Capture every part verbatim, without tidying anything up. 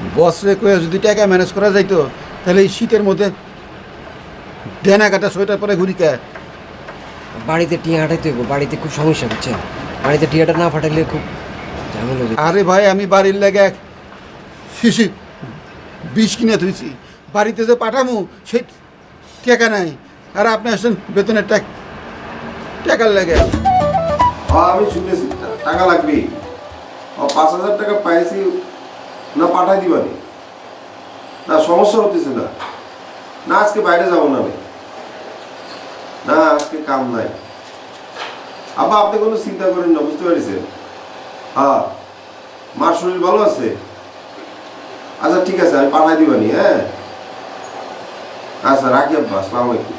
বসরে কয়ে যদি টাকা ম্যানেজ করা যাইতো তাহলে এই শীতের মধ্যে ডেনা কাটা সোয়েটার পরে ঘুরি কে। বাড়িতে টিয়া হাঁটাইতে হইব, বাড়িতে খুব সমস্যা বুঝছেন। বাড়িতে টিয়াটা না ফাটাইলে খুব ঝামেলা হবে। আরে ভাই আমি বাড়ির লেগে এক শিশি বিষ কিনে ধুইছি, বাড়িতে যে পাঠামু সেই টাকা নাই, আর আপনি আসছেন বেতনের টাকা টাকার লেগে। হ্যাঁ আমি শুনেছি টাকা লাগবে। ও পাঁচ হাজার টাকা পাইছি না, পাঠাই দিবানি না, সমস্যা হতেছে না। না আজকে বাইরে যাবো না আমি, না আজকে কাম নাই। আব্বা আপনি কোনো চিন্তা করেন না, বুঝতে পারছেন? হ্যাঁ মার শরীর ভালো আছে? আচ্ছা ঠিক আছে, আমি পাঠাই দিবানি। হ্যাঁ আচ্ছা রাখি আব্বা, আসসালামু আলাইকুম।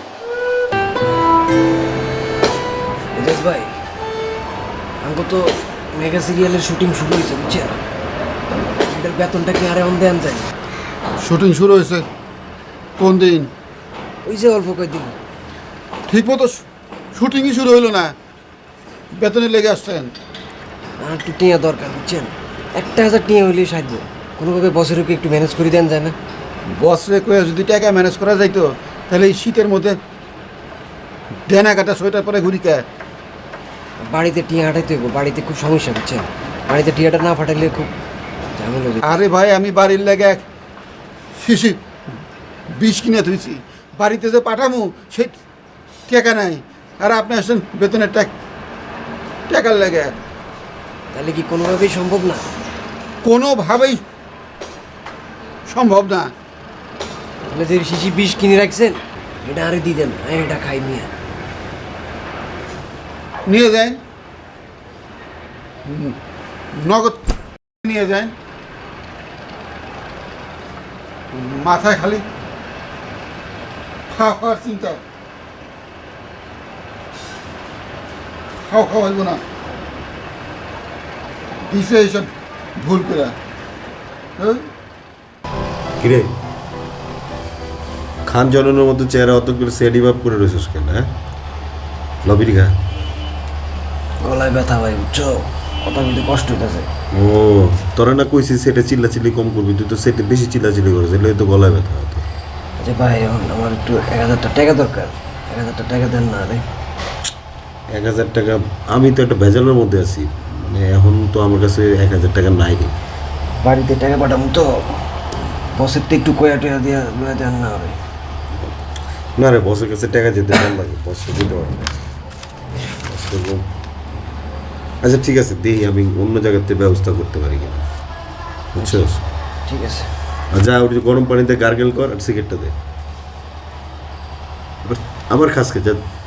এজাজ ভাই, আমাকে তো মেগা সিরিয়ালের শুটিং শুরু হয়েছে বুঝছেন। এটার বেতনটা কি আরে অন দেন যায়? শুটিং শুরু হয়েছে কোন দিন? ওই যে অল্প কয়েকদিন। ঠিক মতো শুটিংই শুরু হইলো না, বেতনের লেগে আসছেন। আর একটু টিয়া দরকার বুঝছেন। একটা হাজার টিয়া হইলেই সাহায্য। কোনোভাবে বছরকে একটু ম্যানেজ করে দেন যায় না? বসরে কয়ে যদি টাকা ম্যানেজ করা যাইতো তাহলে এই শীতের মধ্যে ডেনা কাটা সোয়েটার পরে ঘুরি কে। বাড়িতে টিয়া হাঁটাইতে হইব, বাড়িতে খুব সমস্যা বুঝছেন। বাড়িতে টিয়াটা না ফাটাইলে খুব ঝামেলা হবে। আরে ভাই আমি বাড়ির লেগে এক শিশি বিষ কিনে ধুইছি, বাড়িতে যে পাঠামু সেই টাকা নাই, আর আপনি আসছেন বেতনের টাকা টাকার লেগে। তাহলে কি কোনোভাবেই সম্ভব না? কোনোভাবেই সম্ভব না। তাহলে যে শিশি বিষ কিনে রাখছেন এটা আরে দিয়ে দেন, আমি এটা খাই নিয়ে। নিয়ে যান, হুম, নগদ নিয়ে যান। মাথায় খালি খাওয়া খাওয়ার চিন্তা, খাওয়া খাওয়া হইব না, দিছে এইসব ভুল করে। হ্যাঁ কিরে খান জননের মতো চেহারা অতগুলো সেডি ভাব করে রয়েছিস কেন? হ্যাঁ লবির খা। গলায় ব্যথা ভাই বুঝছো, কথা বলতে কষ্ট হইতেছে। ও তোরা না কইছিস সেটা চিল্লাচিল্লি কম করবি, তুই তো সেটা বেশি চিল্লাচিল্লি করিস, এলে তো গলায় ব্যথা হতো। আচ্ছা ভাই এখন আমার একটু এক হাজারটা টাকা দরকার, এক হাজারটা টাকা দেন না রে। এক হাজার টাকা? আমি তো একটা ভেজালের মধ্যে আছি, মানে এখন তো আমার কাছে এক হাজার টাকা নাই রে। বাড়িতে টাকা পাঠাবো তো, বসের তো একটু কয়া টয়া দিয়া লয়া দেন না রে। না রে, বসের কাছে টাকা যেতে ভালো লাগে, বসে দিতে পারবো না। বসের লোক- আচ্ছা ঠিক আছে, দেখি আমি অন্য জায়গাতে ব্যবস্থা করতে পারি কিনা, বুঝছো? ঠিক আছে। আর যা ওই যে গরম পানিতে গার্গেল কর আর সিগারেটটা দে, আবার আবার খাসকে যা।